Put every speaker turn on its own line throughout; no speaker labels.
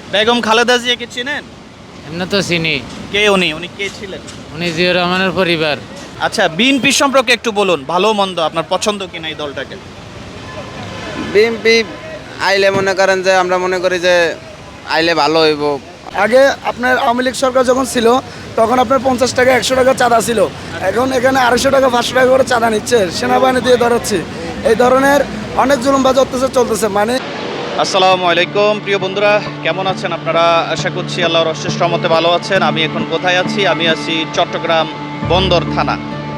বেগম খালেদা জিয়াকে চেনেন?
এমনি তো চিনি।
কে উনি? উনি কে ছিলেন?
উনি জিয়াউর রহমানের পরিবার।
আচ্ছা, বিএনপি সম্পর্কে একটু বলুন, ভালো মন্দ আপনার পছন্দ কিনা এই দলটাকে?
বিএমপি আইলে মনে করেন যে আমরা মনে করি যে আইলে ভালো হইব।
আগে আপনার আওয়ামী লীগ সরকার যখন ছিল তখন আপনার 50 টাকা 100 টাকা চাঁদা ছিল, এখন এখানে 250 টাকা 500 টাকা করে চাঁদা নিচ্ছে, সেনাবাহিনী দিয়ে ধরাচ্ছে। এই ধরনের অনেক জুলুমবাজ অত্যাচার চলতেছে। মানে
আসসালামু আলাইকুম প্রিয় বন্ধুরা, কেমন আছেন আপনারা? আশা করছি আল্লাহর অশেষ রহমতে ভালো আছেন। আমি এখন কোথায় আছি? আমি আছি চট্টগ্রাম বন্দর থানা।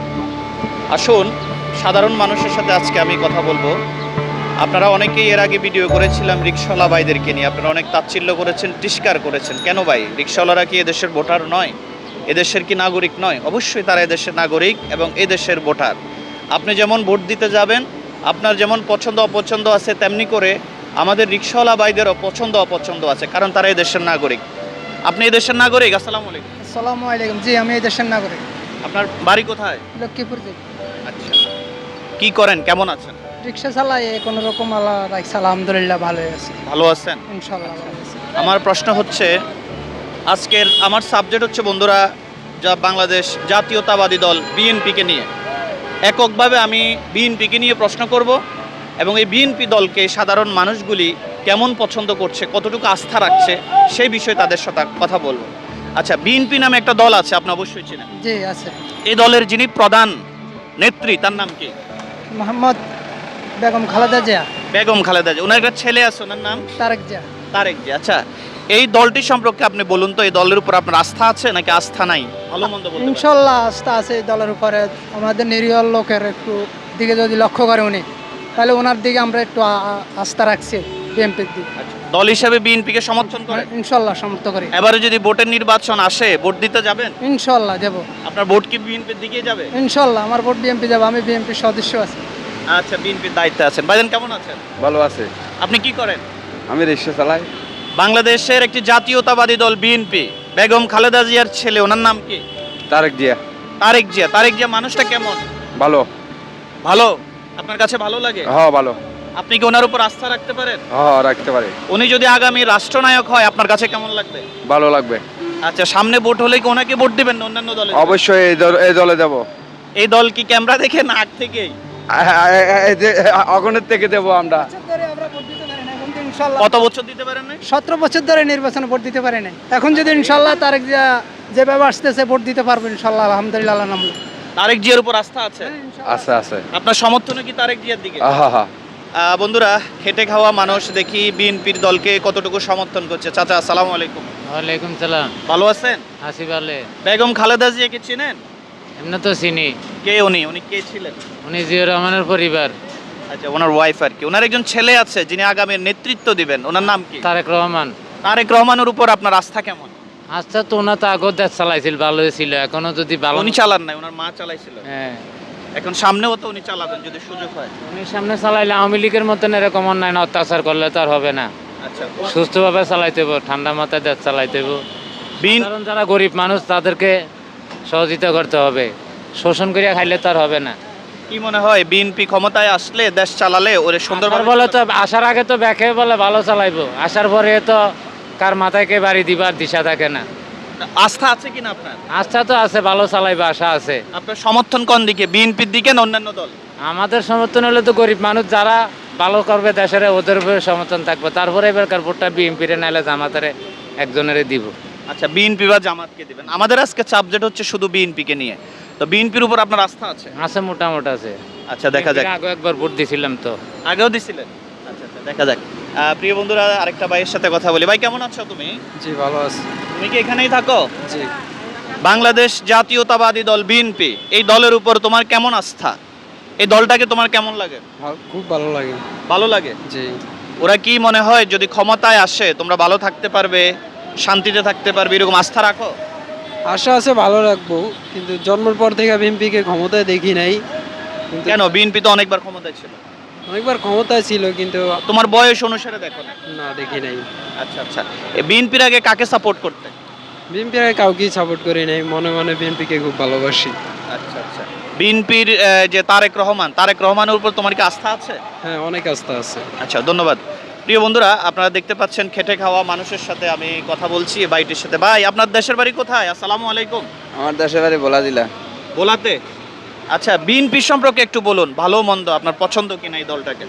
আসুন, সাধারণ মানুষের সাথে আজকে আমি কথা বলবো। আপনারা অনেকেই এর আগে ভিডিও করেছিলাম রিকশাওয়ালা ভাইদেরকে নিয়ে, আপনারা অনেক তাচ্ছিল্য করেছেন, তিরস্কার করেছেন। কেন ভাই, রিকশাওয়ালারা কি এদেশের ভোটার নয়? এদেশের কি নাগরিক নয়? অবশ্যই তারা এদেশের নাগরিক এবং এদেশের ভোটার। আপনি যেমন ভোট দিতে যাবেন, আপনার যেমন পছন্দ অপছন্দ আছে, তেমনি করে আমাদের রিকশাওয়ালা ভাইদেরও পছন্দ অপছন্দ আছে, কারণ তারা এদেশের নাগরিক। আপনি এদেশের নাগরিক? আসসালামু আলাইকুম।
আসসালামু আলাইকুম। জি, আমি এই দেশের নাগরিক।
আপনার বাড়ি কোথায়?
লক্ষ্মীপুর থেকে
আচ্ছা, কি করেন, কেমন আছেন?
রিক্সা চালাই, কোনো রকম আল্লাহ রাখছে, আলহামদুলিল্লাহ ভালোই আছি,
ভালো আছেন?
ইনশাল্লাহ ভালো আছি।
আমার প্রশ্ন হচ্ছে, আজকের আমার সাবজেক্ট হচ্ছে বন্ধুরা, যা বাংলাদেশ জাতীয়তাবাদী দল বিএনপিকে নিয়ে। এককভাবে আমি বিএনপিকে নিয়ে প্রশ্ন করব এবং এই বিএনপি দলকে সাধারণ মানুষগুলি কেমন পছন্দ করছে, কতটুকু আস্থা রাখছে, সেই বিষয়ে তাদের সাথে কথা বলবো। আচ্ছা, বিএনপি নামে একটা দল আছে, আপনি অবশ্যই চেনেন।
জি আছে।
এই দলের যিনি প্রধান নেত্রী, তার নাম কি?
মোহাম্মদ বেগম খালেদা জিয়া।
বেগম খালেদা জিয়া। ওনার একটা ছেলে আছে, ওনার নাম
তারেক জিয়া।
তারেক জিয়া। আচ্ছা, এই দলটি সম্পর্কে আপনি বলুন তো, এই দলের উপর আপনার আস্থা আছে নাকি আস্থা নাই? ভালো মন্দ বলতে পারেন।
ইনশাল্লাহ আস্থা আছে এই দলের উপরে। আমাদের নিরীহ লোকের একটু দিকে যদি লক্ষ্য করে উনি, তাহলে ওনার দিকে আমরা একটু আস্থা রাখছি, বিএনপির দিকে।
আচ্ছা, দল হিসাবে বিএনপিকে সমর্থন করেন?
ইনশাল্লাহ সমর্থ করি।
এবারে যদি ভোটের নির্বাচন আসে, ভোট দিতে যাবেন?
ইনশাল্লাহ দেব।
আপনার ভোট কি বিএনপির দিকে যাবে?
ইনশাল্লাহ আমার ভোট বিএনপি যাবে, আমি বিএনপির সদস্য আছি।
আচ্ছা, বিএনপির দায়িত্বে আছেন। ভাইজান কেমন আছেন?
ভালো আছে।
আপনি কি করেন?
আমি রিক্সা চালাই।
বাংলাদেশের একটি জাতীয়তাবাদী দল বিএনপি, বেগম খালেদা জিয়ার ছেলে, ওনার নাম কি?
তারেক জিয়া।
তারেক জিয়া। তারেক জিয়া মানুষটা কেমন?
ভালো।
ভালো? আপনার কাছে ভালো লাগে?
হ্যাঁ ভালো।
আপনি কি ওনার উপর আস্থা রাখতে পারেন?
হ্যাঁ রাখতে পারি।
উনি যদি আগামী রাষ্ট্রনায়ক হয়, আপনার কাছে কেমন লাগবে?
ভালো লাগবে।
আচ্ছা, সামনে ভোট হলে কি ওনাকে ভোট দিবেন না অন্যান্য দলে?
অবশ্যই এই দলে দেবো।
এই দল কি ক্যামেরা দেখে না আগ থেকেই?
অগণের থেকে দেবো আমরা।
কত বছর দিতে পারেন না?
17 বছর ধরে নির্বাচনে ভোট দিতে পারে নাই। এখন যদি ইনশাল্লাহ তারেক জিয়া যেভাবে আসতেছে ভোট দিতে পারবো ইনশাল্লাহ, আলহামদুলিল্লাহ আল্লাহ নাম।
তারেক জিয়ার উপর আস্থা আছে?
আছে আছে।
আপনার সমর্থনে কি তারেক জিয়ার দিকে?
হ্যাঁ হ্যাঁ।
বন্ধুরা, খেটে খাওয়া মানুষ দেখি বিএনপির দলকে কতটুকু সমর্থন করছে। চাচা আসসালামু আলাইকুম।
ওয়ালাইকুম সালাম।
ভালো আছেন?
আসি ভালে।
বেগম খালেদা জিয়াকে চেনেন?
এমনি তো চিনি।
কে উনি? উনি কে ছিলেন?
উনি জিয়াউর রহমানের পরিবার।
আচ্ছা, ওনার ওয়াইফ আর কি। ওনার একজন ছেলে আছে যিনি আগামী নেতৃত্ব দিবেন, ওনার নাম কি?
তারেক রহমান।
তারেক রহমানের উপর আপনার আস্থা কেমন?
আচ্ছা, তো ওনা তো আগত দেশ চালাইছিল, ভালোই ছিল। এখনো যদি ভালো
উনি চালান নাই, ওনার মা চালাইছিল।
হ্যাঁ,
এখন সামনেও তো উনি চালাবেন যদি সুযোগ হয়।
উনি সামনে চালাইলে আওয়ামী লীগের মতন এরকম অন্যায় অত্যাচার করলে তো আর হবে না।
আচ্ছা,
সুস্থভাবে চালাইতে হইব, ঠান্ডা মাথায় দেশ চালাইতে হইব। কারণ যারা গরিব মানুষ তাদেরকে সহযোগিতা করতে হবে, শোষণ করিয়া খাইলে তো আর হবে না।
কি মনে হয় বিএনপি ক্ষমতায় আসলে, দেশ চালালে ওরে সুন্দরভাবে
বলে তো আসার আগে তো ব্যাকে বলে ভালো চালাইবো, আসার পরে তো কার মাথায় কে বাড়ি দিবার দিশা থাকে না।
আস্থা আছে কিনা আপনার?
আস্থা তো আছে, ভালো চালাইবে আশা আছে।
আপনার সমর্থন কোন দিকে, বিএনপির দিকে না অন্যান্য দল?
আমাদের সমর্থন হলে তো গরিব মানুষ যারা ভালো করবে দেশের, ওদের উপরে সমর্থন থাকবে। তারপরে এবারকার ভোটটা বিএনপিরে নাইলে জামাতের একজনেরই দিব।
আচ্ছা, বিএনপি বা জামাতকে দিবেন। আমাদের আজকে সাবজেক্ট হচ্ছে শুধু বিএনপিকে নিয়ে। তো বিএনপির উপর আপনার আস্থা আছে?
আছে, মোটামুটি আছে।
আচ্ছা, দেখা যাক।
আগে একবার ভোট দিছিলাম তো।
আগেও দিছিলেন? আচ্ছা আচ্ছা, দেখা যাক। প্রিয় বন্ধুরা, আরেকটা ভাইয়ের সাথে কথা বলি। ভাই কেমন আছো তুমি?
জি ভালো আছে।
তুমি কি এখানেই থাকো?
জি।
বাংলাদেশ জাতীয়তাবাদী দল বিএনপি, এই দলের উপর তোমার কেমন আস্থা? এই দলটাকে তোমার কেমন লাগে?
খুব ভালো লাগে।
ভালো লাগে?
জি।
ওরা কি মনে হয় যদি ক্ষমতায় আসে তোমরা ভালো থাকতে পারবে, শান্তিতে থাকতে পারবে, এরকম আস্থা রাখো?
আশা আছে ভালো রাখবো, কিন্তু জন্মের পর থেকে বিএনপিকে ক্ষমতায় দেখি নাই।
কেন? বিএনপি তো অনেকবার ক্ষমতায় ছিল।
অনেকবার ক্ষমতায় ছিল কিন্তু
তোমার বয়স অনুসারে দেখো না?
না দেখি নাই।
আচ্ছা আচ্ছা, বিএনপির আগে কাকে সাপোর্ট করতে?
বিএনপির কাউকেই সাপোর্ট করি নাই, মনে মনে বিএনপিকে খুব ভালোবাসি।
আচ্ছা আচ্ছা, বিএনপির যে তারেক রহমানের উপর তোমার কি আস্থা আছে?
হ্যাঁ অনেক আস্থা আছে।
আচ্ছা, ধন্যবাদ। প্রিয় বন্ধুরা, আপনারা দেখতে পাচ্ছেন খেটে খাওয়া মানুষের সাথে আমি কথা বলছি এই বাইটির সাথে। ভাই, আপনার দেশের বাড়ি কোথায়? আসসালামু আলাইকুম।
আমার দেশের বাড়ি বলা দিলা।
ভোলাতে। আচ্ছা, বিএনপি সম্পর্কে একটু বলুন, ভালো মন্দ আপনার পছন্দ কিনা এই দলটাকে?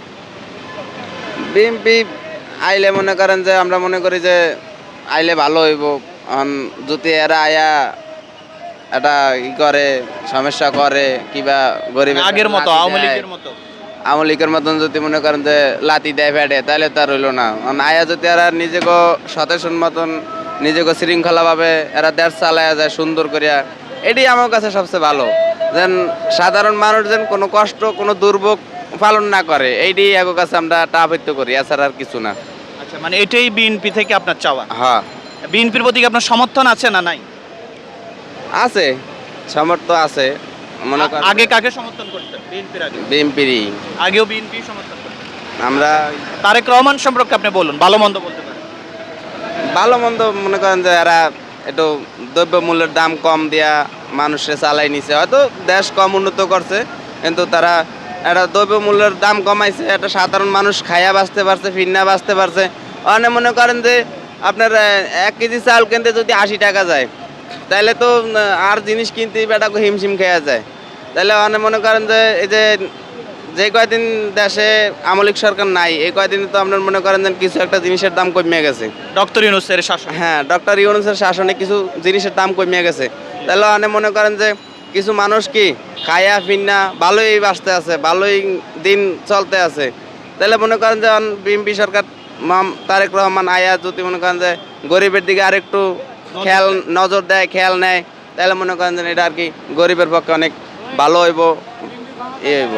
বিএমপি আইলে মনে করেন যে আমরা মনে করি যে আইলে ভালো হইব। যদি এরা আয়া এটা ই করে, সমস্যা করে কিবা গরিব
আগের মতো আওয়ামী লীগের মতো।
আওয়ামী লীগের মতন যদি মনে করেন যে লাতি দেয় ফেটে, তাহলে তার হইলো না। আয়া যদি এরা নিজেকে সচেতন মতন নিজেকে শৃঙ্খলাভাবে এরা দেশ চালায়া যায় সুন্দর করিয়া, এটি আমার কাছে সবচেয়ে ভালো। যেন সাধারণ মানুষ যেন কোনো কষ্ট কোনো দুর্ভোগ পালন না করে, এইটি এগো কাছে আমরা টাপিত করি, এছাড়া আর কিছু না।
আচ্ছা, মানে এটাই বিএনপি থেকে আপনার চাওয়া?
হ্যাঁ,
বিএনপির প্রতি কি আপনার সমর্থন আছে না নাই?
আছে, সামর্থ্য আছে। মনে করেন
আগে কাকে সমর্থন করতেন? বিএনপির আগে?
বিএমপিরই
আগেও বিএনপি সমর্থন করতেন।
আমরা।
তারেক রহমান সম্পর্কে আপনি বলুন, ভালো মন্দ বলতে পারেন।
ভালো মন্দ মনে করেন যে এরা একটু দ্রব্য মূল্যের দাম কম দিয়া মানুষে চালাই নিছে, হয়তো দেশ কম উন্নত করছে, কিন্তু তারা একটা দ্রব্য মূল্যের দাম কমাইছে, একটা সাধারণ মানুষ খাইয়া বাঁচতে পারছে, ফিরনা বাঁচতে পারছে। অনেক মনে করেন যে আপনার 1 কেজি চাল কিনতে যদি 80 টাকা যায়, তাহলে তো আর জিনিস কিনতে বেটা হিমশিম খেয়া যায়। তাহলে অনেক মনে করেন যে এই যে কয়দিন দেশে আওয়ামী লীগ সরকার নাই, এই কয়দিন তো আপনার মনে করেন যে কিছু একটা জিনিসের দাম কমে গেছে।
ডক্টর ইউনূসের শাসন।
হ্যাঁ, ডক্টর ইউনূসের শাসনে কিছু জিনিসের দাম কমে গেছে। তাহলে অনেক মনে করেন যে কিছু মানুষ কি খায়া ফিন্না ভালোই বাঁচতে আছে, ভালোই দিন চলতে আছে। তাহলে মনে করেন যে বিএনপি সরকার তারেক রহমান আয়া যদি মনে করেন যে গরিবের দিকে আরেকটু খেয়াল নজর দেয়, খেয়াল নেয়, তাহলে মনে করেন যে এটা আর কি গরিবের পক্ষে অনেক ভালো হইব, হইব।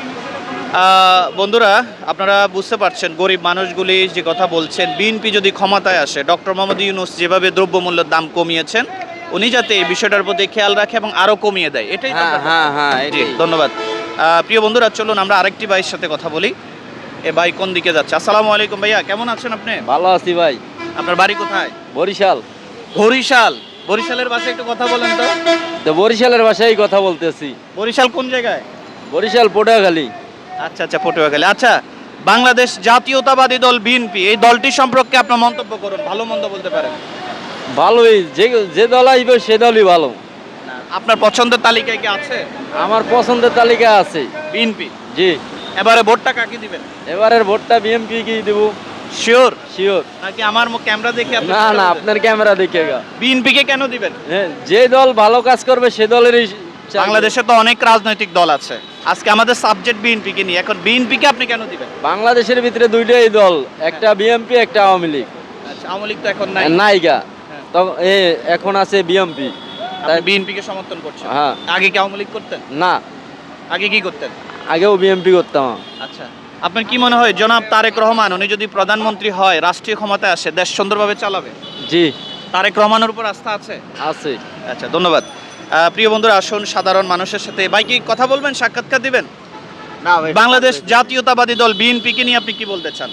বন্ধুরা, আপনারা বুঝতে পারছেন গরিব মানুষগুলি যে কথা বলছেন, বিএনপি যদি ক্ষমতায় আসে, ডক্টর মোহাম্মদ ইউনূস যেভাবে দ্রব্যমূল্যের দাম কমিয়েছেন, উনি যাতে এই বিষয়টার প্রতি খেয়াল রাখে এবং আরও কমিয়ে দেয়, এটাই তো আপনার
হ্যাঁ হ্যাঁ,
জি, ধন্যবাদ। প্রিয় বন্ধুরা, চলুন আমরা আরেকটি ভাইয়ের সাথে কথা বলি। এ ভাই কোন দিকে যাচ্ছে? আসসালামু আলাইকুম ভাইয়া, কেমন আছেন আপনি?
ভালো আছি ভাই।
আপনার বাড়ি কোথায়?
বরিশাল।
বরিশাল? বরিশালের ভাষায় একটু কথা বলেন তো।
তো বরিশালের ভাষায় কথা বলতেছি।
বরিশাল কোন জায়গায়?
বরিশাল পটুয়াখালী।
আচ্ছা আচ্ছা, পটুয়াখালী। আচ্ছা, বাংলাদেশ জাতীয়তাবাদী দল বিএনপি, এই দলটি সম্পর্কে আপনার মন্তব্য করুন, ভালো মন্দ বলতে পারেন।
ভালোই, যে দল আসবে সে দলই ভালো।
আপনার পছন্দের তালিকায় কি আছে?
আমার পছন্দের তালিকা আছে
বিএনপি।
জি।
এবারে ভোটটা কাকে দিবেন?
এবারের ভোটটা বিএমপি কি দেব।
শিওর?
শিওর।
নাকি আমার ক্যামেরা দেখে আপনি?
না না, আপনার ক্যামেরা দেখে গা।
বিএনপি কে কেন দিবেন?
হ্যাঁ, যে দল ভালো কাজ করবে সে দলেরই।
বাংলাদেশে তো অনেক রাজনৈতিক দল আছে, আজকে আমাদের সাবজেক্ট বিএনপি কে নিয়ে। এখন বিএনপি কে আপনি কেন দিবেন?
বাংলাদেশের ভিতরে দুইটাই দল, একটা বিএমপি একটা আওয়ামী লীগ।
আচ্ছা, আওয়ামী লীগ তো এখন নাই।
নাইগা। তো এখন আছে বিএমপি।
তাই বিএনপি কে সমর্থন করছেন?
হ্যাঁ।
আগে কি আওয়ামী লীগ করতেন?
না,
আগে কি করতেন?
আগেও বিএমপি করতাম।
আচ্ছা, আপনার কি মনে হয় জনাব তারেক রহমান উনি যদি প্রধানমন্ত্রী হয়, রাষ্ট্রীয় ক্ষমতায় আসে, দেশ সুন্দরভাবে চালাবে?
জি।
তারেক রহমানের উপর আস্থা আছে?
আছে।
আচ্ছা, ধন্যবাদ। প্রিয় বন্ধুরা, আসুন সাধারণ মানুষের সাথে ভাই কি কথা বলবেন, সাক্ষাৎকার দিবেন? বাংলাদেশ জাতীয়তাবাদী দল বিএনপি কে নিয়ে আপনি কি বলতে চান?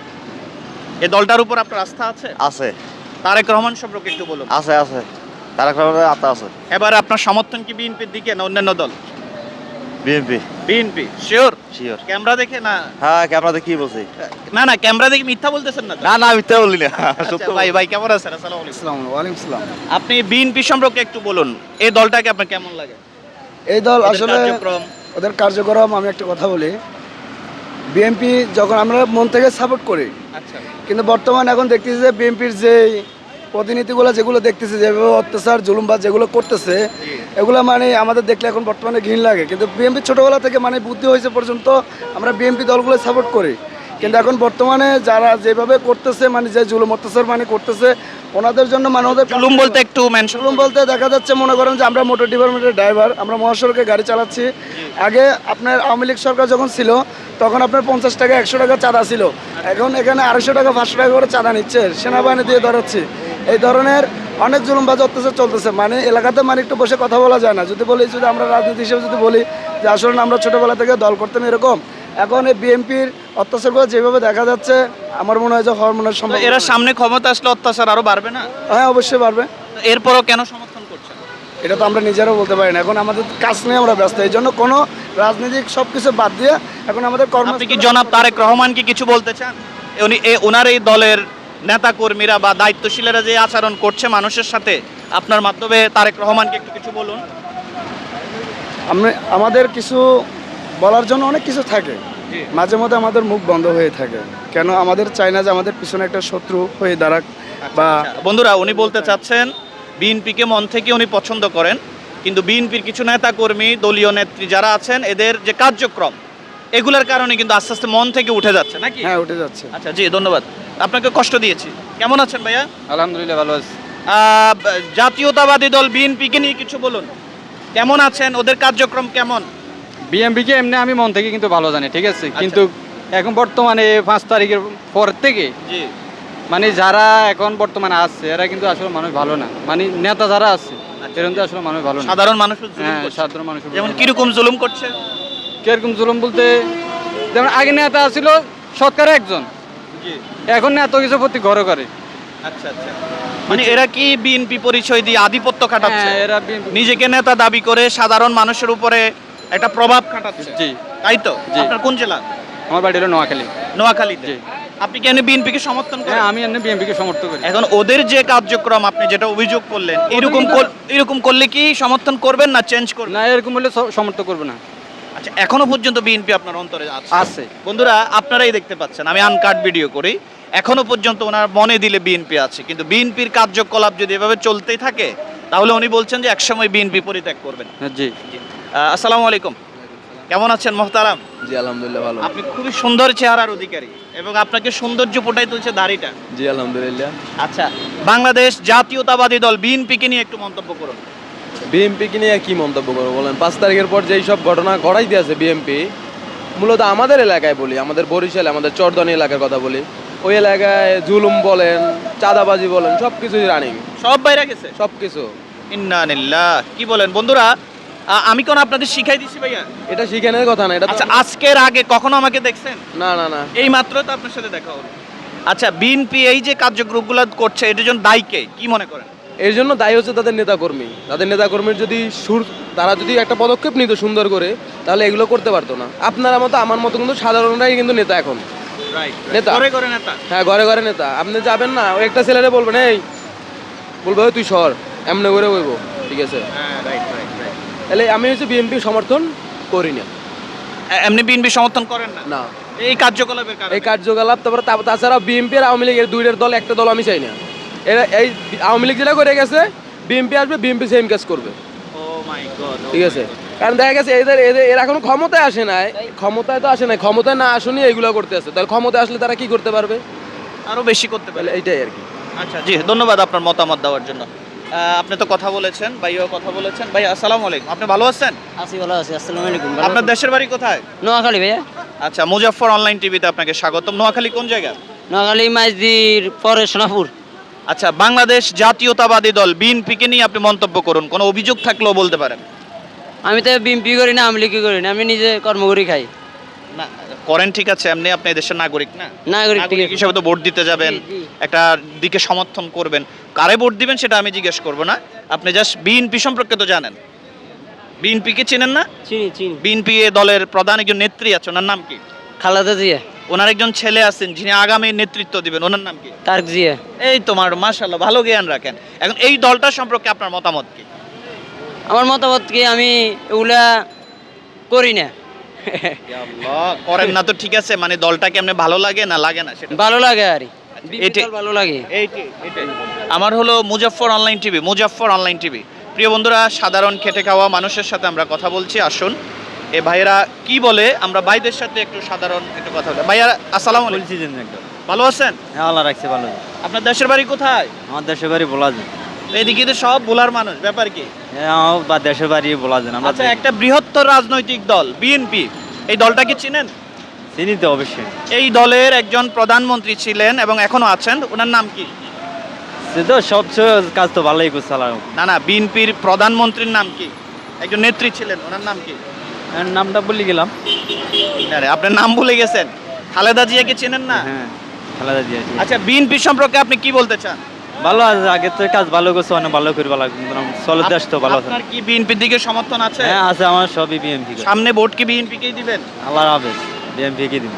এই দলটার উপর আপনার আস্থা আছে?
আছে
তারেক রহমান সম্পর্কে একটু বলুন।
আছে আছে তারেক রহমানের আত্মা আছে।
এবারে আপনার সমর্থন কি বিএনপির দিকে না অন্যান্য দল?
BNP.
BNP sure?
Sure.
Camera দেখে না?
হ্যাঁ, আপনাদের কি বলছি?
না না, ক্যামেরা দেখে মিথ্যা বলতেছেন না তো?
না না, মিথ্যা বললি না,
আচ্ছা,
সত্য
ভাই ভাই কেমন আছেন? আসসালামু আলাইকুম।
আসসালামু আলাইকুম সালাম।
আপনি বিএনপি সম্পর্কে একটু বলুন, এই দলটাকে আপনার কেমন লাগে?
এই দল
ওদের
আসলে
কার্যক্রম?
ওদের কার্যক্রম, আমি একটা কথা বলি, বিএনপি যখন আমরা মন থেকে সাপোর্ট করি,
আচ্ছা,
কিন্তু বর্তমানে এখন দেখতেছি যে বিএনপির যে প্রতিনিধিগুলো যেগুলো দেখতেছে, যেভাবে অত্যাচার জুলুমবাজ যেগুলো করতেছে, এগুলো মানে আমাদের দেখলে এখন বর্তমানে ঘৃণ লাগে। কিন্তু বিএনপি ছোটোবেলা থেকে মানে বুদ্ধি হয়েছে পর্যন্ত আমরা বিএনপি দলগুলো সাপোর্ট করি। কিন্তু এখন বর্তমানে যারা যেভাবে করতেছে, মানে যে জুলুম অত্যাচার মানে করতেছে, ওনাদের জন্য মানে ওদের
জুলুম বলতে একটু মেনশন
জুলুম বলতে দেখা যাচ্ছে, মনে করেন যে আমরা মোটর ডিপার্টমেন্টের ড্রাইভার, আমরা মহাসড়কে গাড়ি চালাচ্ছি। আগে আপনার আওয়ামী লীগ সরকার যখন ছিল, তখন আপনার 50 টাকা 100 টাকা চাঁদা ছিল। এখন এখানে 250 টাকা 500 টাকা করে চাঁদা নিচ্ছে, সেনাবাহিনী দিয়ে ধরাচ্ছে। এই ধরনের অনেক জুলুমবাজ অত্যাচার চলতেছে। মানে এলাকাতে মানে একটু বসে কথা বলা যায় না। যদি বলি, যদি আমরা রাজনীতি হিসেবে যদি বলি যে আসলে আমরা ছোটোবেলা থেকে দল করতাম এরকম, এখন এই বিএনপির অত্যাচারগুলো যেভাবে দেখা যাচ্ছে, আমার মনে হয় যে হরমোনের সম্ভব।
এরা সামনে ক্ষমতা আসলে অত্যাচার আরো বাড়বে না?
হ্যাঁ, অবশ্যই পারবে।
এরপরও কেন সমর্থন করছেন?
এটা তো আমরা নিজেরাও বলতে পারি না। এখন আমাদের কাজ নিয়ে আমরা ব্যস্ত, এই জন্য কোনো রাজনৈতিক সব কিছু বাদ দিয়ে এখন আমাদের কর্ম।
আপনি কি জনাব তারেক রহমানকে কিছু বলতে চান? ওনার এই দলের নেতা কর্মীরা বা দায়িত্বশীলেরা যে আচরণ করছে মানুষের সাথে, আপনার মাধ্যমে তারেক রহমানকে একটু কিছু বলুন।
আমাদের কিছু বলার জন্য অনেক কিছু থাকে, মাঝে মধ্যে আমাদের মুখ বন্ধ হয়ে থাকে। কেন আমাদের চাই না যে আমাদের পিছনে একটা শত্রু হয়ে দাঁড়াক বা
বন্ধুরা, উনি বলতে চাচ্ছেন বিএনপিকে মন থেকে উনি পছন্দ করেন, কিন্তু বিএনপির কিছু নেতা কর্মী, দলীয় নেত্রী যারা আছেন, এদের যে কার্যক্রম এগুলোর কারণে কিন্তু আস্তে আস্তে মন থেকে উঠে যাচ্ছে নাকি?
হ্যাঁ, উঠে যাচ্ছে।
আচ্ছা জি, ধন্যবাদ। আপনাকে কষ্ট দিয়েছি। কেমন আছেন ভাইয়া?
আলহামদুলিল্লাহ ভালো আছি।
জাতীয়তাবাদী দল বিএনপিকে নিয়ে কিছু বলুন, কেমন আছেন, ওদের কার্যক্রম কেমন?
বিএমপিকে এমনি আমি মন থেকে কিন্তু ভালো জানি, ঠিক আছে, কিন্তু এখন বর্তমানে 5 তারিখের পর থেকে
জি,
মানে যারা এখন বর্তমানে আছে এরা কিন্তু আসলে মানুষ ভালো না, মানে নেতা যারা আছে এরা কিন্তু আসলে মানুষ ভালো না।
সাধারণ মানুষ
হ্যাঁ, সাধারণ মানুষ
যেমন কিরকম জুলুম করছে?
কিরকম জুলুম বলতে, যেমন আগে নেতা ছিল সরকার একজন,
জি,
এখন এত কিছু প্রতি ঘরে করে।
আচ্ছা আচ্ছা, মানে এরা কি বিএনপি পরিচয় দিয়ে আধিপত্য খাটাচ্ছে?
হ্যাঁ, এরা BNP
নিজেকে নেতা দাবি করে সাধারণ মানুষের উপরে একটা প্রভাব খাটাচ্ছে।
জি,
তাই তো?
জি।
আপনার কোন জেলা?
আমার বাড়ি হলো নোয়াখালী।
নোয়াখালীতে।
জি।
আপনি কেন বিএনপিকে সমর্থন করেন?
হ্যাঁ, আমি এমনি বিএমপিকে সমর্থন করি।
এখন ওদের যে কার্যক্রম আপনি যেটা অভিযোগ করলেন, এরকম করলে কি সমর্থন করবেন না চেঞ্জ করবেন?
না, এরকম হলে সমর্থন করবে না।
আচ্ছা, এখনো পর্যন্ত বিএনপি আপনার অন্তরে আছে?
আছে।
বন্ধুরা, আপনারাই দেখতে পাচ্ছেন, আমি আনকাট ভিডিও করি, এখনো পর্যন্ত ওনার মনে দিলে বিএনপি আছে, কিন্তু বিএনপির কার্যকলাপ যদি এভাবে চলতেই থাকে তাহলে উনি বলছেন যে একসময় বিএনপি পরিত্যাগ করবেন।
জি।
আসসালামু আলাইকুম, কেমন আছেন মোহতারাম?
জি আলহামদুলিল্লাহ ভালো।
আপনি খুবই সুন্দর চেহারার অধিকারী এবং আপনাকে সৌন্দর্য ফুটাই তুলছে দাড়িটা।
জি আলহামদুলিল্লাহ।
আচ্ছা, বাংলাদেশ জাতীয়তাবাদী দল বিএনপিকে নিয়ে একটু মন্তব্য করুন।
বিএমপিকে নিয়ে কি মন্তব্য করবো বলেন? 5 তারিখের পর যেই সব ঘটনা ঘটাই দিয়েছে বিএমপি, মূলত আমাদের এলাকায় বলি, আমাদের বরিশালে, আমাদের চরদনি এলাকার কথা বলি, ওই এলাকায় জুলুম বলেন, চাঁদাবাজি বলেন, সব কিছুই রানিং,
সব বাইরে গেছে।
সব কিছু।
ইন্নালিল্লাহ, কি বলেন বন্ধুরা? আমি কোন আপনাদের শিখাই দিছি ভাইয়া?
এটা শিখানোর কথা না, এটা তো-
আচ্ছা, আজকের আগে কখনো আমাকে দেখছেন?
না না না,
এই মাত্র তো আপনার সাথে দেখা হলো। আচ্ছা, বিএনপি এই যে কার্যক্রমগুলো করছে এটার জন্য দায়ী কে, কি মনে করেন?
এর জন্য দায়ী হচ্ছে তাদের নেতাকর্মী। তাদের নেতাকর্মীর যদি তারা যদি একটা পদক্ষেপ নিত সুন্দর করে, তাহলে এগুলো করতে পারতো না। আপনার মতো আমার মতো কিন্তু সাধারণরাই কিন্তু নেতা এখন। নেতা।
করে করে নেতা।
হ্যাঁ, ঘরে ঘরে নেতা। আপনি যাবেন না, ওই একটা ছেলেরে বলবেন, এই বলবো তুই সর, এমনি করে বলবো, ঠিক আছে?
হ্যাঁ, রাইট রাইট রাইট।
তাহলে আমি হচ্ছে বিএনপি সমর্থন করি না।
এমনি বিএনপি সমর্থন করেন না
না,
এই কার্যকলাপের কারণে?
এই কার্যকলাপ, তারপরে তাছাড়া বিএনপি আর আওয়ামী লীগের দুইটার দল একটা দল আমি চাই না। এরা এই আওয়ামী লীগ যেটা করে গেছে, বিএনপি আসবে, বিএনপি সেম কাজ করবে,
ও মাই গড,
ঠিক আছে? কারণ দেখা গেছে এদের এদের এরা এখনো ক্ষমতায় আসে নাই, ক্ষমতায় তো আসে নাই, ক্ষমতায় না আসুনি এগুলো করতে আছে। তাহলে ক্ষমতায় আসলে তারা কি করতে পারবে?
আরো বেশি করতে পারে।
তাহলে এইটাই আর কি।
আচ্ছা জি, ধন্যবাদ আপনার মতামত দেওয়ার জন্য। আপনি তো কথা বলেছেন, ভাইও কথা বলেছেন। ভাই আসসালামু আলাইকুম, আপনি ভালো আছেন?
আছি, ভালো আছি। আসসালামু আলাইকুম।
আপনার দেশের বাড়ি কোথায়?
নোয়াখালী ভাইয়া।
আচ্ছা, মুজাফফর অনলাইন টিভিতে আপনাকে স্বাগতম। নোয়াখালী কোন জায়গা?
নোয়াখালী মাইজদির পরে সোনাপুর।
আচ্ছা, বাংলাদেশ জাতীয়তাবাদী দল বিএনপিকে নিয়ে আপনি মন্তব্য করুন, কোনো অভিযোগ থাকলেও বলতে পারেন।
আমি তো বিএমপি করি না, আওয়ামী লীগ করি না, আমি নিজে কর্ম করি খাই।
না করেন, ঠিক আছে, এমনি আপনি দেশের নাগরিক না?
নাগরিক, ঠিক
নাগরিক
আছে।
হিসেবে তো ভোট দিতে যাবেন,
জি, জি।
একটা দিকে সমর্থন করবেন। কারে ভোট দিবেন সেটা আমি জিজ্ঞেস করব না, আপনি জাস্ট বিএনপি সম্পর্কে তো জানেন। বিএনপিকে চেনেন না?
চিনি চিনি।
বিএনপি দলের প্রধান একজন নেত্রী আছে, ওনার নাম কি?
খালেদা জিয়া।
ওনার একজন ছেলে আছেন যিনি আগামী নেতৃত্ব দিবেন, ওনার নাম কি?
তারেক জিয়া।
এই তোমার মাশাআল্লাহ, ভালো জ্ঞান রাখেন। এখন এই দলটা সম্পর্কে আপনার মতামত কি?
আমার মতামত কি, আমি এগুলা করি না।
আল্লাহ, করেন না তো ঠিক আছে, মানে দলটাকে এমনি ভালো লাগে না লাগে না সেটা?
ভালো লাগে আর
এটাই।
ভালো লাগে।
এইটাই। আমার হলো Muzaffar online TV, Muzaffar online TV. প্রিয় বন্ধুরা, সাধারণ খেটে খাওয়া মানুষের সাথে আমরা কথা বলছি, আসুন এ ভাইয়েরা কি বলে আমরা ভাইদের সাথে একটু সাধারণ একটু কথা বলি। ভাইয়া আসসালামু আলাইকুম, ভালো আছেন?
হ্যাঁ, আল্লাহ রাখছে ভালো।
আপনার দেশের বাড়ি কোথায়?
আমার দেশের বাড়ি বলা যায়।
এদিকে তো সব ভোলার মানুষ, ব্যাপার কি?
হ্যাঁ, আমার বা দেশের বাড়ি বলা যায় না।
আচ্ছা, একটা বৃহত্তর রাজনৈতিক দল বিএনপি, এই দলটাকে চিনেন?
চিনি তো অবশ্যই।
এই দলের একজন প্রধানমন্ত্রী ছিলেন এবং এখনো আছেন, ওনার নাম কি?
সে তো সব কাজ তো ভালোই করছে।
না না, বিএনপির প্রধানমন্ত্রীর নাম কি? একজন নেত্রী ছিলেন, ওনার নাম কি?
নামটা বলে গেলাম।
আরে, আপনার নাম ভুলে গেছেন? খালেদা জিয়াকে চেনেন না?
হ্যাঁ, খালেদা জিয়া।
আচ্ছা, বিএনপি সম্পর্কে আপনি কি বলতে চান?
ভালো আছে, আগে তো কাজ ভালো করছে, অনেক ভালো করে ভালো চলো, দেশ তো ভালো আছে।
আপনার কি বিএনপির দিকে সমর্থন আছে?
হ্যাঁ আছে, আমার সবই বিএমপি।
সামনে ভোট কি বিএনপি কেই দিবেন?
আল্লাহ হাফেজ, বিএমপি কে দিন।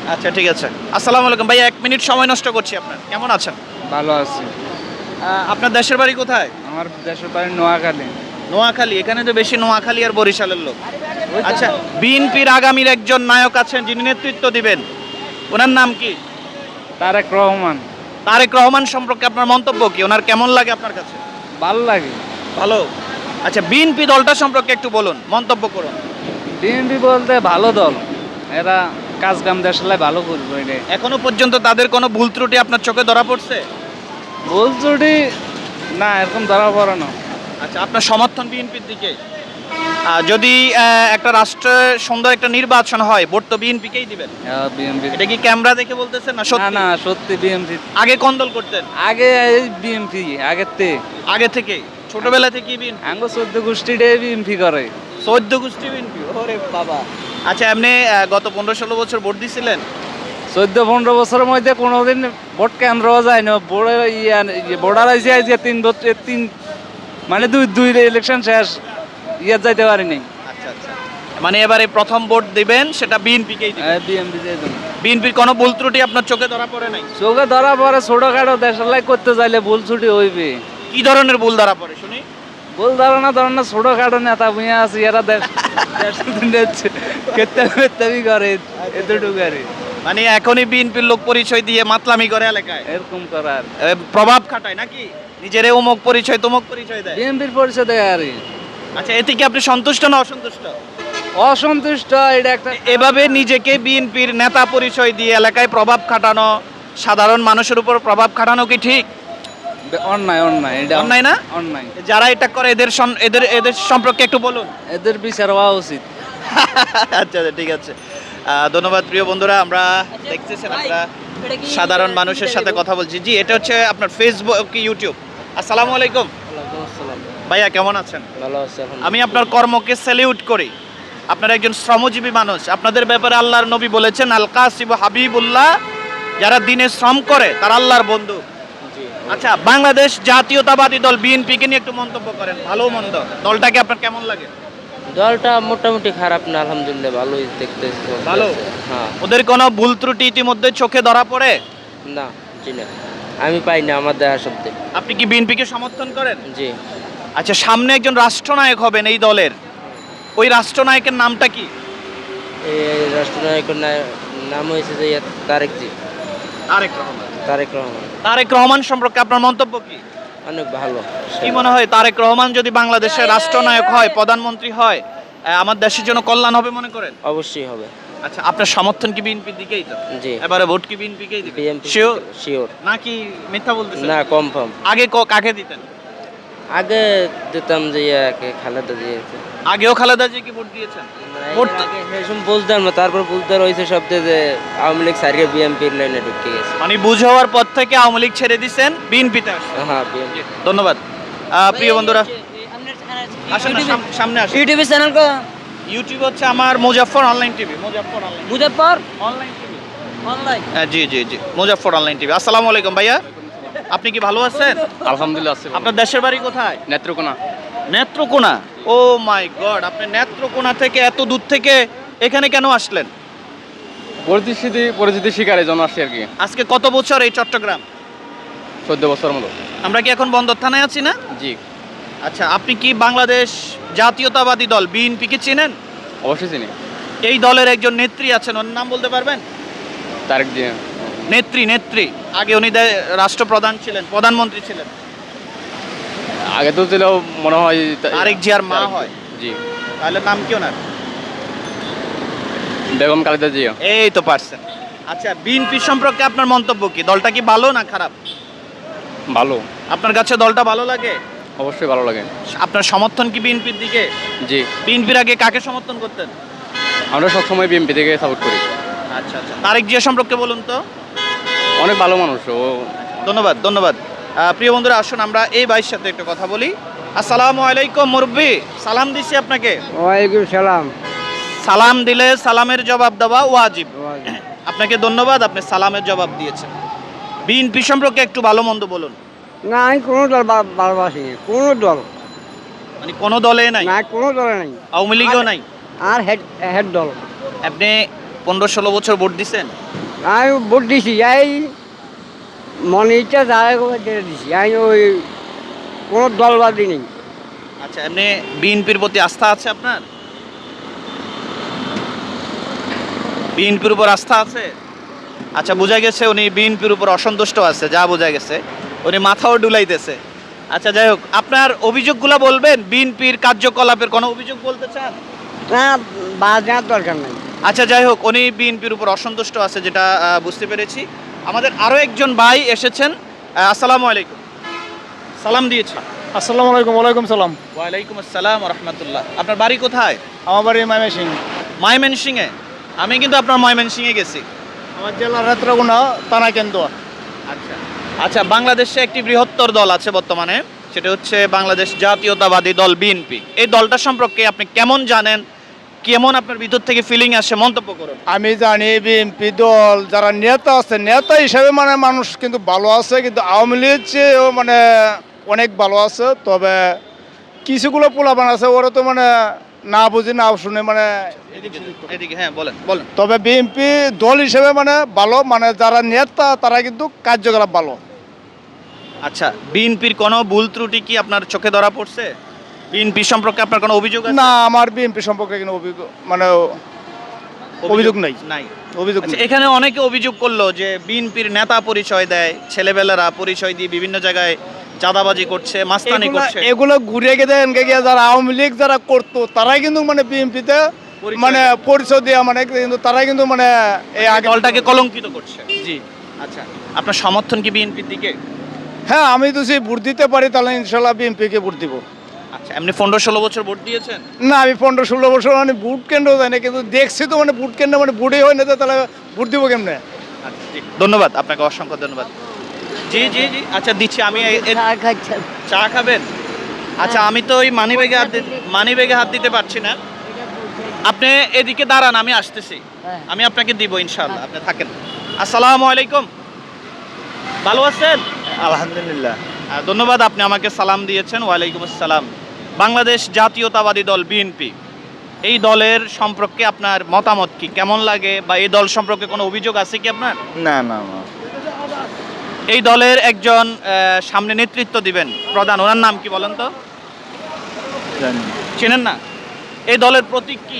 আচ্ছা ঠিক আছে। আসসালামু আলাইকুম ভাইয়া, 1 মিনিট সময় নষ্ট করছি আপনার। কেমন আছেন?
ভালো আছি।
আপনার দেশের বাড়ি কোথায়?
আমার দেশের বাড়ি নোয়াখালী।
নোয়াখালী। এখানে তো বেশি নোয়াখালী আর বরিশালের লোক। আচ্ছা, বিএনপির আগামীর একজন নায়ক আছেন যিনি নেতৃত্ব দিবেন, ওনার নাম কি?
তারেক রহমান।
তারেক রহমান সম্পর্কে আপনার মন্তব্য কি? ওনার কেমন লাগে আপনার কাছে?
ভালো লাগে।
ভালো। আচ্ছা, বিএনপি দলটা সম্পর্কে একটু বলুন, মন্তব্য করুন।
বিএনপি বলতে ভালো দল, এরা কাজ কাম দেশলাই ভালো করবে। এটা
এখনো পর্যন্ত তাদের কোনো ভুল ত্রুটি আপনার চোখে ধরা পড়ছে?
ভুল ত্রুটি না, এরকম ধরা পড়ে না।
আচ্ছা, আপনার সমর্থন বিএনপির দিকে? যদি একটা রাষ্ট্রে সুন্দর একটা নির্বাচন হয়, ভোট তো বিএনপিকেই দিবেন।
বিএনপি
এটা কি ক্যামেরা দেখে বলতেছেন না
না
সত্যি?
না, সত্যি বিএনপি।
আগে কোন দল করতেন?
আগে বিএনপি আগের তে
আগে থেকে ছোটবেলা থেকে বিএনপি?
আঙ্গ 14 গোষ্ঠীতে বিএনপি করে।
14 গোষ্ঠী বিএনপি? ওরে বাবা। আচ্ছা, এমনি গত 15-16 বছর ভোট দিছিলেন?
14-15 বছরের মধ্যে কোনোদিন ভোট কেন্দ্র যায় না। ভোটার আইসি আজকে 3 বছর, 3 মানে দুই ইলেকশন শেষ, ইয়াত যাইতে পারিনি।
আচ্ছা আচ্ছা, মানে এবারে প্রথম ভোট দিবেন, সেটা বিএনপিকেই দিবেন?
বিএনপি যাইতো না।
বিএনপির কোনো ভুল ত্রুটি আপনার চোখে ধরা পড়ে নাই?
চোখে ধরা পরে ছোটখাটো দেশের লাই করতে চাইলে ভুল ছুটি হইবে।
কি ধরনের ভুল ধরা পড়ে শুনি?
ভুল ধারণা ছোটখাটো নেতা বুঝে আছে, এরা কেতাবি করে, এতটুকু আর
মানে এখনই বিএনপির লোক পরিচয় দিয়ে মাতলামি করে এলাকায়,
এরকম করার
প্রভাব খাটায় নাকি? নিজের অমুক পরিচয় তমুক পরিচয় দেয়।
বিএনপির পরিচয় দেয় আর
আচ্ছা, এতে কি আপনি সন্তুষ্ট না অসন্তুষ্ট?
অসন্তুষ্ট। এটা একটা
এভাবে নিজেকে বিএনপির নেতা পরিচয় দিয়ে এলাকায় প্রভাব খাটানো, সাধারণ মানুষের উপর প্রভাব খাটানো কি ঠিক?
অন্যায়, অন্যায়, এটা
অন্যায় না?
অন্যায়।
যারা এটা করে এদের সম্পর্কে একটু বলুন।
এদের বিচার হওয়া উচিত।
আচ্ছা ঠিক আছে, ধন্যবাদ প্রিয় বন্ধুরা। আমরা দেখতেছেন আমরা সাধারণ মানুষের সাথে কথা বলছি। জি, এটা হচ্ছে আপনার ফেসবুক কি ইউটিউব? আসসালামু আলাইকুম ভাইয়া, কেমন আছেন?
ভালো আছে।
আমি আপনার কর্মকে স্যালিউট করি। আপনারা একজন শ্রমজীবী মানুষ। আপনাদের ব্যাপারে আল্লাহর নবী বলেছেন, আল কাসিব হাবিবুল্লাহ, যারা দিনে শ্রম করে তারা আল্লাহর বন্ধু। আচ্ছা, বাংলাদেশ জাতীয়তাবাদী দল বিএনপিকে নিয়ে একটু মন্তব্য করেন, ভালো মন্দ দলটাকে আপনার কেমন লাগে?
দলটা মোটামুটি খারাপ না, আলহামদুলিল্লাহ ভালোই দেখতেছি।
ভালো।
হ্যাঁ।
ওদের কোনো ভুল ত্রুটি ইতিমধ্যে চোখে ধরা পড়ে?
না, জি না, আমি পাই না আমার দেখা শব্দে।
আপনি কি বিএনপিকে সমর্থন করেন?
জি।
আচ্ছা, সামনে একজন রাষ্ট্রনায়ক হবেন এই দলের, ওই রাষ্ট্রনায়কের নামটা কি?
এই রাষ্ট্রনায়কের নাম হয়েছে যে তারেক জি।
তারেক রহমান।
তারেক রহমান।
তারেক রহমান সম্পর্কে আপনার মন্তব্য কি?
অনেক ভালো।
কি মনে হয়, তারেক রহমান যদি বাংলাদেশের রাষ্ট্রনায়ক হয়, প্রধানমন্ত্রী হয়, আমার দেশের জন্য কল্যাণ হবে মনে করেন?
অবশ্যই হবে।
আচ্ছা, আপনার সমর্থন কি বিএনপির দিকেই তো?
জি।
এবারে ভোট কি বিএনপিকেই দিবেন?
BNP
sure?
শিওর।
নাকি মিথ্যা বলতেছেন?
না, কনফার্ম।
আগে কাকে দিতেন?
আগে দিতাম যে ইয়াকে, খালেদা দিয়েছে।
আগেও খালেদা জিয়াকে ভোট দিয়েছেন? ভোট তো-
সেসব বুঝতাম না, তারপর বুঝতে রয়েছে শব্দে যে আওয়ামী লীগ সারিয়ে বিএনপির লাইনে ঢুকে গেছে।
মানে বুঝ হওয়ার পর থেকে আওয়ামী লীগ ছেড়ে দিচ্ছেন, বিএনপিতে আসছেন।
হ্যাঁ, বিএনপি।
ধন্যবাদ। প্রিয় বন্ধুরা, আসেন না, সামনে আসেন।
ইউটিউবে চ্যানেল কো?
ইউটিউব হচ্ছে আমার Muzaffar online TV. Muzaffar online
Muzaffar
online TV.
Online.
জি জি জি, মুজাফফর অনলাইন টিভি। আসসালামু আলাইকুম ভাইয়া, আপনি কি ভালো আছেন?
আলহামদুলিল্লাহ আছে।
আপনার দেশের বাড়ি কোথায়?
Netrokona.
Netrokona. Oh my god, আপনি নেত্রকোনা থেকে এত দূর থেকে এখানে কেন আসলেন?
পরিচিতি শিকারে জন্য আসছি আর কি।
আজকে কত বছর এই চট্টগ্রাম?
14 বছরের মতো।
আমরা কি এখন বন্দর থানায় আছি না?
জি।
আচ্ছা, আপনি কি বাংলাদেশ জাতীয়তাবাদী দল বিএনপি কে চেনেন?
অবশ্যই চিনি।
এই দলের একজন নেত্রী আছেন, ওর নাম বলতে পারবেন?
তারেক জি।
নেত্রী আগে উনি রাষ্ট্রপ্রধান ছিলেন, প্রধানমন্ত্রী ছিলেন।
আগে তো ছিল মনে হয়
তারেক জিয়ার মা হয়।
জি।
তাহলে নাম কি ওনার?
বেগম খালেদা জিয়া।
এই তো পারছেন। আচ্ছা, বিএনপি সম্পর্কে আপনার মন্তব্য কি? দলটা কি ভালো না খারাপ?
ভালো।
আপনার কাছে দলটা ভালো লাগে?
অবশ্যই ভালো লাগে।
আপনার সমর্থন কি বিএনপির দিকে?
জি।
বিএনপির আগে কাকে সমর্থন করতেন?
আমরা সবসময় বিএনপি থেকে সাপোর্ট করি।
আচ্ছা আচ্ছা, তারেক জিয়া সম্পর্কে বলুন তো।
অনেক ভালো মানুষ ও।
ধন্যবাদ। প্রিয় বন্ধুরা, আসুন আমরা এই ভাইয়ের সাথে একটু কথা বলি। আসসালামু আলাইকুম মুরব্বি, সালাম দিছি আপনাকে।
ওয়ালাইকুম সালাম।
সালাম দিলে সালামের জবাব দেওয়া ওয়াজিব। আপনাকে ধন্যবাদ, আপনি সালামের জবাব দিয়েছেন। বিএনপি সম্পর্কে একটু ভালো মন্দ বলুন।
না, আমি কোনো দল ভালোবাসি না, কোনো দল।
মানে কোনো দলে নাই?
না, কোনো দলে নাই।
আওয়ামী লীগও নাই?
আর হেড দল।
আপনি 15-16 বছর ভোট দিছেন?
আমি ভোট দিছি, এই মনে ইচ্ছা যায় দিছি, আমি ওই কোনো দলবাদী নেই।
আচ্ছা, এমনি বিএনপির প্রতি আস্থা আছে আপনার? বিএনপির উপর আস্থা আছে? আচ্ছা, বোঝা গেছে উনি বিএনপির উপর অসন্তুষ্ট আছে, যা বোঝা গেছে। উনি মাথাও ডুলাইতেছে। আচ্ছা, যাই হোক, আপনার অভিযোগগুলো বলবেন, বিএনপির কার্যকলাপের কোনো অভিযোগ বলতে চান?
না, বাদ নেওয়ার দরকার নেই।
আচ্ছা, যাই হোক, উনি বিএনপির উপর অসন্তুষ্ট আছে, যেটা বুঝতে পেরেছি। আমাদের আরও একজন ভাই এসেছেন। আসসালামু আলাইকুম, সালাম দিয়েছি।
আসসালামু আলাইকুম। ওয়ালাইকুম সালাম।
ওয়ালাইকুম আসসালাম রহমতুল্লাহ। আপনার বাড়ি কোথায়?
আমার বাড়ি ময়মনসিং।
ময়মনসিংহে? আমি কিন্তু আপনার ময়মনসিংহে গেছি।
আমার জেলা নেত্রকোনা, থানা কেন্দুয়া।
আচ্ছা আচ্ছা, বাংলাদেশে একটি বৃহত্তর দল আছে বর্তমানে, সেটা হচ্ছে বাংলাদেশ জাতীয়তাবাদী দল বিএনপি। এই দলটা সম্পর্কে আপনি কেমন জানেন, কেমন আপনার ভিতর থেকে ফিলিং আসে, মন্তব্য করুন।
আমি জানি বিএনপি দল যারা নেতা আছে, নেতা হিসেবে মানে মানুষ কিন্তু ভালো আছে, কিন্তু আওয়ামী লীগ চেয়েও মানে অনেক ভালো আছে। তবে কিছুগুলো পোলাপান আছে, ওরা তো মানে না বুঝি না শুনে মানে
এদিকে হ্যাঁ, বলেন বলেন।
তবে বিএনপি দল হিসেবে মানে ভালো, মানে যারা নেতা তারা কিন্তু কার্যকলাপ ভালো।
আচ্ছা, বিএনপির কোনো ভুল ত্রুটি কি আপনার চোখে ধরা পড়ছে? বিএনপি সম্পর্কে আপনার কোনো অভিযোগ আছে?
না, আমার বিএনপি সম্পর্কে কোনো অভিযোগ নাই।
নাই।
অভিযোগ
আচ্ছা,
নেই।
এখানে অনেকে অভিযোগ করলো যে বিএনপির নেতা পরিচয় দেয়, ছেলেবেলারা পরিচয় দিয়ে বিভিন্ন জায়গায় চাঁদাবাজি করছে, মাস্তানি করছে।
এগুলো ঘুরে গিয়ে গিয়ে যারা আওয়ামী লীগ যারা করতো তারাই কিন্তু মানে বিএনপিতে মানে পরিচয় দেওয়া, মানে কিন্তু তারাই কিন্তু মানে এই আগে
দলটাকে কলঙ্কিত করছে।
জি।
আচ্ছা, আপনার সমর্থন কি বিএনপির দিকে?
হ্যাঁ, আমি তো যদি ভোট দিতে পারি তাহলে ইনশাল্লাহ বিএনপিকে ভোট দিব।
আচ্ছা, এমনি 15-16 বছর ভোট দিয়েছেন?
না, আমি 15-16 বছর মানে ভোট কেন্দ্র যাই না, কিন্তু দেখছি তো মানে ভোট কেন্দ্র মানে ভোটই হয় না, তো তাহলে ভোট দিব কেমনে?
আচ্ছা, জি, ধন্যবাদ আপনাকে, অসংখ্য ধন্যবাদ। জি জি জি, আচ্ছা দিচ্ছি আমি। চা খাবেন? আচ্ছা, আমি তো ওই মানিব্যাগে হাত দিতে পারছি না। আপনি এদিকে দাঁড়ান, আমি আসতেছি। আমি আপনাকে দিব ইনশাআল্লাহ, আপনি থাকেন। আসসালামু আলাইকুম, ভালো আছেন?
আলহামদুলিল্লাহ।
ধন্যবাদ, আপনি আমাকে সালাম দিয়েছেন। ওয়ালাইকুম আসসালাম। বাংলাদেশ জাতীয়তাবাদী দল বিএনপি, এই দলের সম্পর্কে আপনার মতামত কি, কেমন লাগে, বা এই দল সম্পর্কে কোনো অভিযোগ আছে কি আপনার?
না না না,
এই দলের একজন সামনে নেতৃত্ব দিবেন প্রধান, ওনার নাম কি বলেন তো?
জানি না।
চেনেন না? এই দলের প্রতীক কি?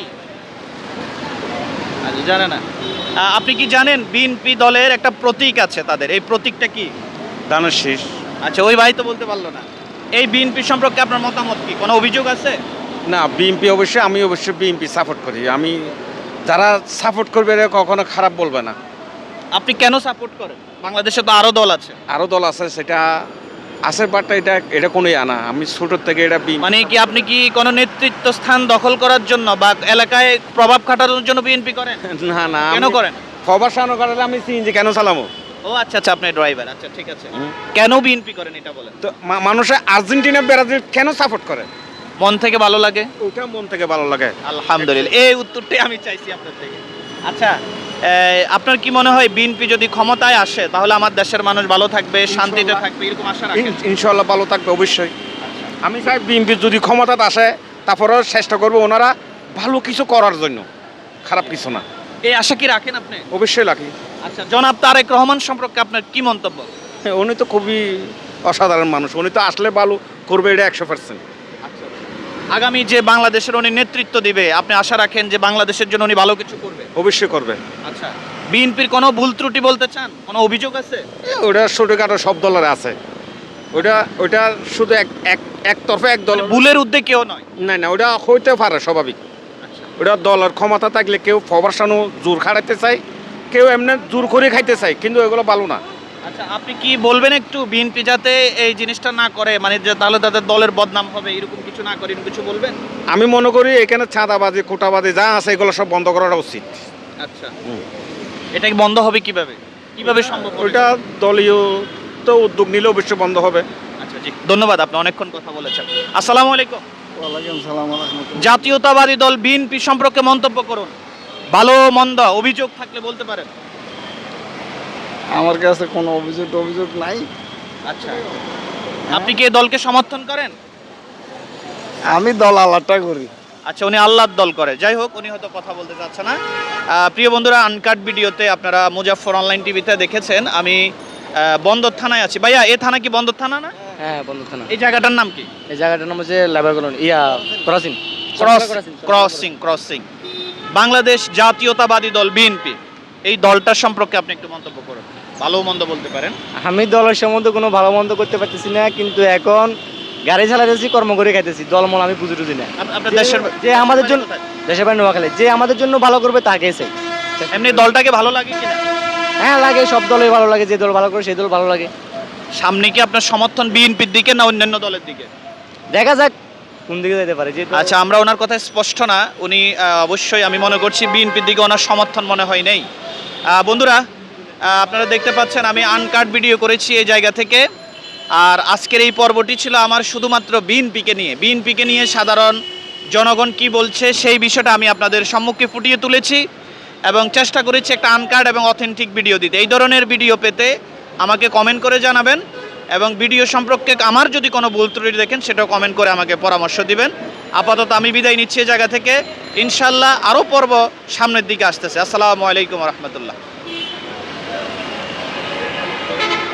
আচ্ছা, জানে না। আপনি কি জানেন বিএনপি দলের একটা প্রতীক আছে তাদের, এই প্রতীকটা কি?
দানের শীষ।
আচ্ছা, ওই ভাই তো বলতে পারলো না। এই বিএনপি সম্পর্কে আপনার মতামত কি, কোনো অভিযোগ আছে?
না, বিএনপি অবশ্যই, আমি অবশ্যই বিএনপি সাপোর্ট করি। আমি যারা সাপোর্ট করবে এরা কখনো খারাপ বলবে না।
আপনি কেন সাপোর্ট করেন? বাংলাদেশে তো আরো দল আছে।
আরও দল আছে, সেটা আছে, বাট এটা কোনোই আনা। আমি ছোটোর থেকে এটা
মানে কি আপনি কি কোনো নেতৃত্ব স্থান দখল করার জন্য বা এলাকায় প্রভাব খাটানোর জন্য বিএনপি করেন?
না না,
কেন করেন?
প্রবাসানো করালে আমি সিএনজি কেন চালামো?
ও আচ্ছা আচ্ছা, আপনি ড্রাইভার। আচ্ছা, ঠিক আছে। কেন বিএনপি করেন এটা বলেন
তো মানুষে আর্জেন্টিনা ব্রাজিল কেন সাপোর্ট করে?
মন থেকে ভালো লাগে।
ওটা মন থেকে ভালো লাগে।
আলহামদুলিল্লাহ, এই উত্তরটাই আমি চাইছি আপনার থেকে। আচ্ছা, আপনার কি মনে হয় বিএনপি যদি ক্ষমতায় আসে তাহলে আমার দেশের মানুষ ভালো থাকবে, শান্তিতে থাকবে, এরকম আশা রাখেন?
ইনশাল্লাহ ভালো থাকবে অবশ্যই। আমি চাই বিএনপি যদি ক্ষমতাতে আসে তারপরেও চেষ্টা করবো ওনারা ভালো কিছু করার জন্য, খারাপ কিছু না।
এই আশা কি রাখেন আপনি?
অবশ্যই রাখি।
আচ্ছা, জনাব তারেক রহমান সম্পর্কে আপনার কি মন্তব্য?
উনি তো খুবই অসাধারণ মানুষ, উনি তো আসলে ভালো করবে, এটা 100%।
আগামী যে বাংলাদেশের উনি নেতৃত্ব দিবে, আপনি আশা রাখেন যে বাংলাদেশের জন্য উনি ভালো কিছু করবে?
অবশ্যই করবে।
আচ্ছা, বিএনপির কোনো ভুল ত্রুটি বলতে চান, কোনো অভিযোগ আছে?
ওটা ছোটোখাটো সব দলের আছে, ওটা শুধু একতরফা এক দল।
ভুলের উদ্যোগ কেউ নয়?
না না, ওটা হইতে পারে স্বাভাবিক। ওটা দলের ক্ষমতা থাকলে কেউ ফবাসানো জোর খাড়াইতে চায়, কেউ এমনি জোর করে খাইতে চায়, কিন্তু এগুলো ভালো না।
আচ্ছা, আপনি কি বলবেন একটু বিএনপি যাতে এই জিনিসটা না করে, মানে যে তাহলে তাদের দলের বদনাম হবে, এরকম কিছু না করে, এরকম কিছু বলবেন?
আমি মনে করি এখানে চাঁদাবাজি কোটাবাজি যা আছে এগুলো সব বন্ধ করাটা উচিত।
আচ্ছা, এটা কি বন্ধ হবে কিভাবে, কিভাবে সম্ভব হবে?
ওইটা দলীয় তো উদ্যোগ নিলে অবশ্যই বন্ধ হবে।
আচ্ছা, জি, ধন্যবাদ, আপনি অনেকক্ষণ কথা বলেছেন। আসসালামু আলাইকুম।
ওয়ালাইকুম সালাম ওয়া রাহমাতুল্লাহ।
জাতীয়তাবাদী দল বিএনপি সম্পর্কে মন্তব্য করুন, ভালো মন্দ অভিযোগ থাকলে বলতে পারেন।
আমার কাছে কোনো অভিযোগ নাই।
আচ্ছা, আপনি কি এই দলকে সমর্থন করেন?
আমি দল আলাদা করি।
আচ্ছা, উনি আল্লাহর দল করে। যাই হোক, উনি হয়তো কথা বলতে চাচ্ছে না। প্রিয় বন্ধুরা, আনকাট ভিডিওতে আপনারা মুজাফফর অনলাইন টিভিতে দেখেছেন আমি বন্দর থানায় আছি। ভাইয়া, এ থানা কি বন্দর থানা না?
হ্যাঁ বন্ধু থানা।
এই জায়গাটার নাম কি?
এই জায়গাটার নাম হচ্ছে labour colony, crossing.
Crossing. Bangladesh জাতীয়তাবাদী দল বিএনপি, এই দলটার সম্পর্কে আপনি একটু মন্তব্য করুন, ভালো মন্দ বলতে পারেন।
আমি দলের সম্বন্ধে কোনো ভালো মন্দ করতে পারতেছি না, কিন্তু এখন গাড়ি চালাতেছি, কর্ম করে খাইতেছি, দলমল আমি বুঝি টুঝি না।
আপনার দেশের
যে আমাদের জন্য, দেশের বাড়ি নোয়াখালী, যে আমাদের জন্য ভালো করবে তাকে চাই।
এমনি দলটাকে ভালো লাগে কিনা?
হ্যাঁ লাগে, সব দলই ভালো লাগে, যে দল ভালো করে সেই দল ভালো লাগে।
সামনে কি আপনার সমর্থন বিএনপির দিকে না অন্যান্য দলের দিকে?
দেখা যাক কোন দিকে যেতে পারে। যে
আচ্ছা, আমরা ওনার কথা স্পষ্ট না, উনি অবশ্যই আমি মনে করছি বিএনপির দিকে ওনার সমর্থন মনে হয় নেই। বন্ধুরা, আপনারা দেখতে পাচ্ছেন আমি আনকাট ভিডিও করেছি এই জায়গা থেকে। আর আজকের এই পর্বটি ছিল আমার শুধুমাত্র বিএনপিকে নিয়ে সাধারণ জনগণ কি বলছে সেই বিষয়টা আমি আপনাদের সম্মুখে ফুটিয়ে তুলেছি এবং চেষ্টা করেছি একটা আনকাট এবং অথেন্টিক ভিডিও দিতে। এই ধরনের ভিডিও পেতে আমাকে কমেন্ট করে জানাবেন এবং ভিডিও সম্পর্কে আমার যদি কোনো ভুল ত্রুটি দেখেন সেটাও কমেন্ট করে আমাকে পরামর্শ দিবেন। আপাতত আমি বিদায় নিচ্ছি এই জায়গা থেকে। ইনশাল্লাহ আরও পর্ব সামনের দিকে আসতেছে। আসসালামু আলাইকুম রহমতুল্লাহ।